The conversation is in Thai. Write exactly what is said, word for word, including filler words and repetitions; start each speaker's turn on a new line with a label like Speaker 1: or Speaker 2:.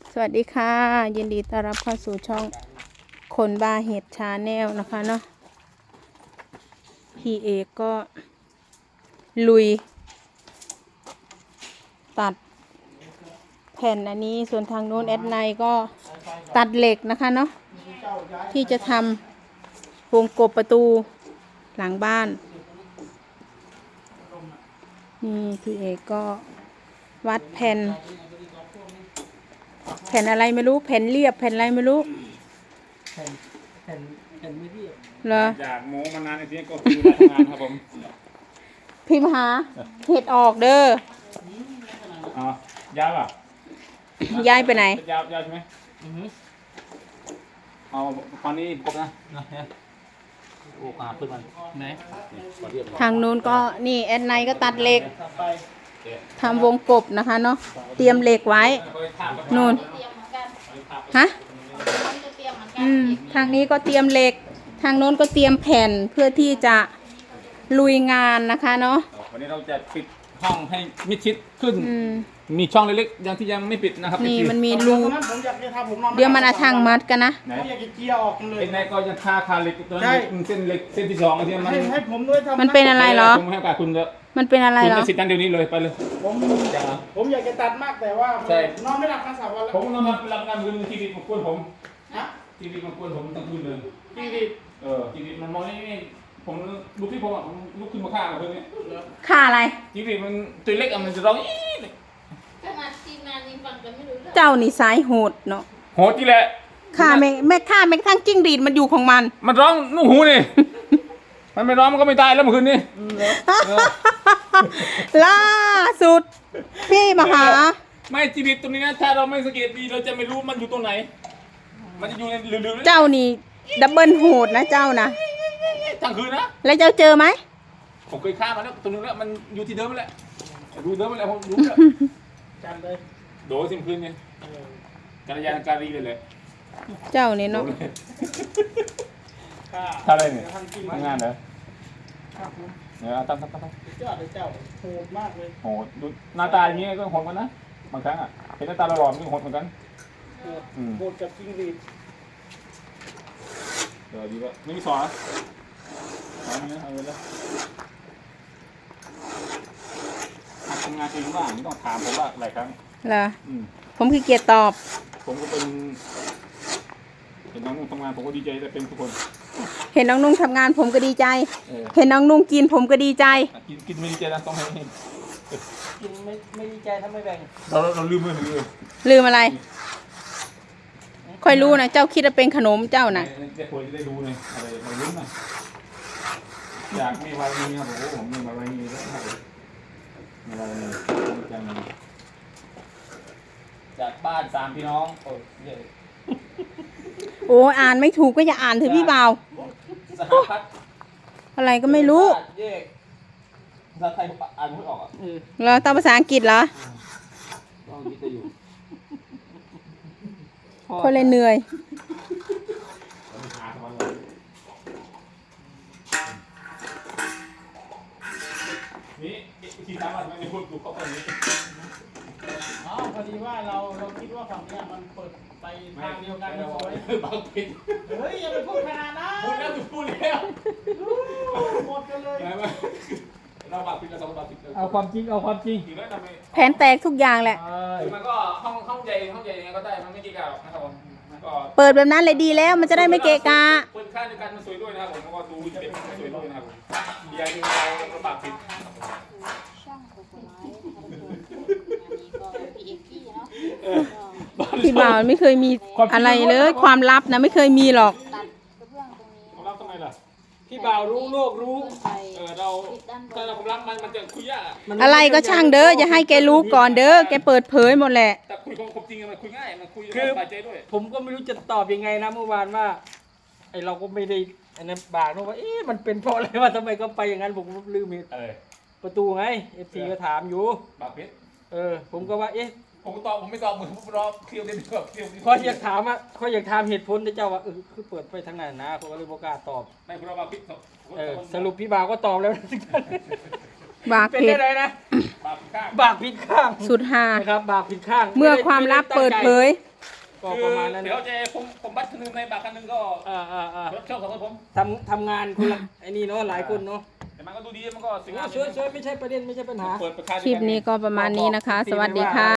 Speaker 1: สวัสดีค่ะยินดีต้อนรับเข้าสู่ช่องคนบ้าเห็ดชาแนลนะคะเนาะพี่เอกก็ลุยตัดแผ่นอันนี้ส่วนทางโน้นแอดไนก็ตัดเหล็กนะคะเนาะที่จะทำวงกบประตูหลังบ้านนี่พี่เอกก็วัดแผ่นแผ่นอะไรไม่รู้แผ่นเรียบแผ่นอะไรไม่รู้
Speaker 2: แผ่นแผ่นแผ่นไม่เรียบ
Speaker 1: เหรอ
Speaker 3: อยากโม้มานานในที่นี้ก็คือเวลาทำงานครับผม
Speaker 1: พิมพ์หาเห็ดออกเด้อ
Speaker 3: อ๋อ ยาวอ่ะ
Speaker 1: ย้ายไปไหน
Speaker 3: ยาวยาวใช่ไหมเอาตอนนี้ครบนะนะฮะโอ้ขาขึ้นมันไหน
Speaker 1: ทางนู้นก็นี่แอดไนก็ตัดเหล็กทำวงกบนะคะเนาะเตรียมเหล็กไว้นู่นฮะอืมทางนี้ก็เตรียมเหล็กทางโน้นก็เตรียมแผ่นเพื่อที่จะลุยงานนะคะเนาะ
Speaker 3: วันนี้เราจะปิดห้องให้มิดชิดขึ้นมีช่องเล็กๆยังที่ยังไม่ปิดนะครับ
Speaker 1: นี่มันมีรูเดี๋ยวมันอาทางมัดกันนะ
Speaker 2: ผมอยากจะเจียออกเลย
Speaker 3: ไอ้นายก็จะทาคาเหล็กตัวนั้นเส้นเหล็กเส้นที่สองที่มัน
Speaker 2: ให้ผมด้วยทำ
Speaker 1: มันเป็นอะไรเหรอ
Speaker 3: ผมให้โอกาสคุณเถอะ
Speaker 1: มันเป็นอะไรเหรอ
Speaker 3: คุณจะสิทธิ์นั้นเดี๋ยวนี้เลยไปเลย
Speaker 2: ผมผมอยากจะตัดมากแต่ว่านอนไม่หลับทั้งสามวันแล้ว
Speaker 3: ผมนอนรับรับงานคืนทีวีมากวนผม
Speaker 2: นะ
Speaker 3: ทีวีมากวนผมตั้งคืนเลย
Speaker 2: ทีวี
Speaker 3: เออทีวีมันมองนี่ผมลุกที่ผมอ่ะผมลุกขึ้นมาฆ่าเพื่อนนี่
Speaker 1: ฆ่าอะไร
Speaker 3: ทีวีมันตัวเล็กอ่ะมันจะร้องอี
Speaker 4: ขนาดทีมงานยังฟังกันไม่รู้เรื่อง
Speaker 1: เจ้านี่สายโหดเนาะ
Speaker 3: โหดที่แหละ
Speaker 1: ฆ่าแม่แม่ฆ่าแม่ทั้งจิ้งหรีดมันอยู่ของมัน
Speaker 3: มันร้องนุ่งหูนี่มันไม่ร้องมันก็ไม่ตายแล้วเมื่อคืนนี้
Speaker 1: ล่าสุดพี่มหา
Speaker 3: ไม่ชีวิตตรงนี้นะถ้าเราไม่สังเกตดีเราจะไม่รู้มันอยู่ตรงไหนมันจะอยู่ในลืม
Speaker 1: ๆเจ้านี่ดับเบิลโหดนะเจ้านะ
Speaker 3: ทั้งคืนนะ
Speaker 1: แล้วเจ้าเจอไหม
Speaker 3: ผมเคยฆ่ามันแล้วตรงนึงแล้วมันอยู่ที่เดิมแหละรู้เดิมแล้วผมรู้แล้ว
Speaker 2: จำเลย
Speaker 3: โดยสิ้นคืนไงการยานการีเลยแหละ
Speaker 1: เจ้านี่เนาะ
Speaker 3: ถ้าอะไรเนี่ยงานเหรอเนี่ยตั้งตั้งตั้งตั้ง
Speaker 2: เจ้าเลยเจ้าโหดมากเลย
Speaker 3: โหดดูหน้าตาอย่างนี้ก็โหดกันนะบางครั้งอ่ะเห็นหน้าตาหล่อๆมันก็โหดเหมือนกัน
Speaker 2: โหดกับจิ้งหรีด
Speaker 3: เดี๋ยวดีว่าไม่มีสอนนะเอาเนี้ยเอาเลยทำงานเองบ้างไม่ต้องถามผมว่าหลายครั้ง
Speaker 1: เหรอผมคือเกียรติตอบ
Speaker 3: ผมก็เป็นเห็นน้องนุ่งทำงานผมก็ดีใจแต่เป็นทุกคน
Speaker 1: เห็นน้องนุ่งทำงานผมก็ดีใจเห็นน้องนุ่งกินผมก็ดีใจ
Speaker 3: กินกินไม่ดีใจนะต้องให้
Speaker 2: กินไม่ไม่ดีใจถ้าไม่แบ่ง
Speaker 3: เราเราลืมเลยลืม
Speaker 1: ลืมอะไรค่อยรู้นะเจ้าคิดว่าเป็นขนมเจ้านะ
Speaker 3: จะควรจะได้รู้เลยอะไรเราลืมนะอยากมีวันนี้ครับผมผมมีวันนี้แล้วครับอะไรเนี่ยจังจากบ้านสามพี่น้องโอ้ย
Speaker 1: โอ้อ่านไม่ถูกก็อย่าอ่านเถอะพี่บ่าว
Speaker 3: สหพัฒน์
Speaker 1: อะไรก็ไม่รู้
Speaker 3: ภาษาไทยอ่านไม่ออกอ่ะ
Speaker 1: เหรอตามภาษาอังกฤษเหรอคนเลยเหนื่อย
Speaker 3: นี่ที่ถามว่าทำไมไม่พูดถูกข้อความนี้
Speaker 2: อ๋อพอดีว่าเราเราคิดว่าฝั่งนี้มันเปิดไปทางเดียวกันเลย
Speaker 3: บางผิด
Speaker 2: เฮ้ยอย่าไปพูดขนาดนั้น
Speaker 3: พูดแล้วพูดแล้ว
Speaker 2: หมดกันเลย
Speaker 3: เราบางผิดเราสองบางผิด
Speaker 2: เอาความจริงเอาความจริง
Speaker 1: แผนแตกทุกอย่างแหละ
Speaker 3: มันก็ห้องห้องใหญ่ห้องใหญ่ยังไงก็ได้มันไม่กี่กะหรอกนะครับผม
Speaker 1: เปิดแบบนั้นเลยดีแล้วมันจะได้ไม่เกะกะ
Speaker 3: เปิดค่าในการมันสวยด้วยนะครับผมแล้วก็ดูเป็นสวยด้วยนะครับผมยายดูเราลำบากผิด
Speaker 1: พี่บ่าวไม่เคยมีอะไรเลยความลับนะไม่เคยมีหรอก
Speaker 3: ความลับทำไมล่ะ
Speaker 2: พี่บ่าวรู้โลกรู้
Speaker 3: เออเราถ้าเราความลับมันมันจะคุยยาก
Speaker 1: อะไรก็ช่างเด้ออย่าให้แกรู้ก่อนเด้อแกเปิดเผยหมดแหละ
Speaker 3: แต่คุยความจริงมันคุยง่ายมันคุยสบายใจด้วย
Speaker 2: ผมก็ไม่รู้จะตอบยังไงนะเมื่อวานว่าไอเราก็ไม่ได้อันนั้นบากนะว่าเอ๊ะมันเป็นเพราะอะไรว่าทำไมก็ไปอย่างนั้นผมก็ลืมเหตุประตูไงเอฟซีก็ถามอยู่
Speaker 3: บาปเพชร
Speaker 2: เออผมก็ว่าเอ๊ะ
Speaker 3: ผมตอบผมไม่ตอบเหมือนผมรอเคลียร์เด่นแบบเคลียร์
Speaker 2: เขาอยากถามอ่ะเขาอยากถามเหตุผลที่เจ้าว่าเออคือเปิดไปทางไหนนะผมก็เลยบอกกล้าตอบ
Speaker 3: ไม่คุณเราบาปเพชร
Speaker 2: เออสรุปพี่บ่าวก็ตอบแล้ว
Speaker 1: บาป
Speaker 2: เป็นอะไรนะ
Speaker 3: บาปข้าง
Speaker 2: บาปผิดข้าง
Speaker 1: สุดฮา
Speaker 2: ครับบาปผิดข้าง
Speaker 1: เมื่อความลับเปิดเผย
Speaker 2: ก็ประมาณนั้น
Speaker 3: เดี๋ยวจะผมผมบัตรคันหนึงในบัตรคันหนึงก็
Speaker 2: อ่าอ่าอ่า
Speaker 3: รับชอบสองคนผม
Speaker 2: ทำทำงานคนละไอ้นี่เนาะหลายคนเนาะ
Speaker 3: แต่มันก็ดูดีมันก็สวยงาม
Speaker 2: สวยๆไม่ใช่ประเด็นไม่ใช่ปัญหา
Speaker 3: เปิดประชา
Speaker 1: คลิปนี้ก็ประมาณนี้นะคะ สวัสดีค่ะ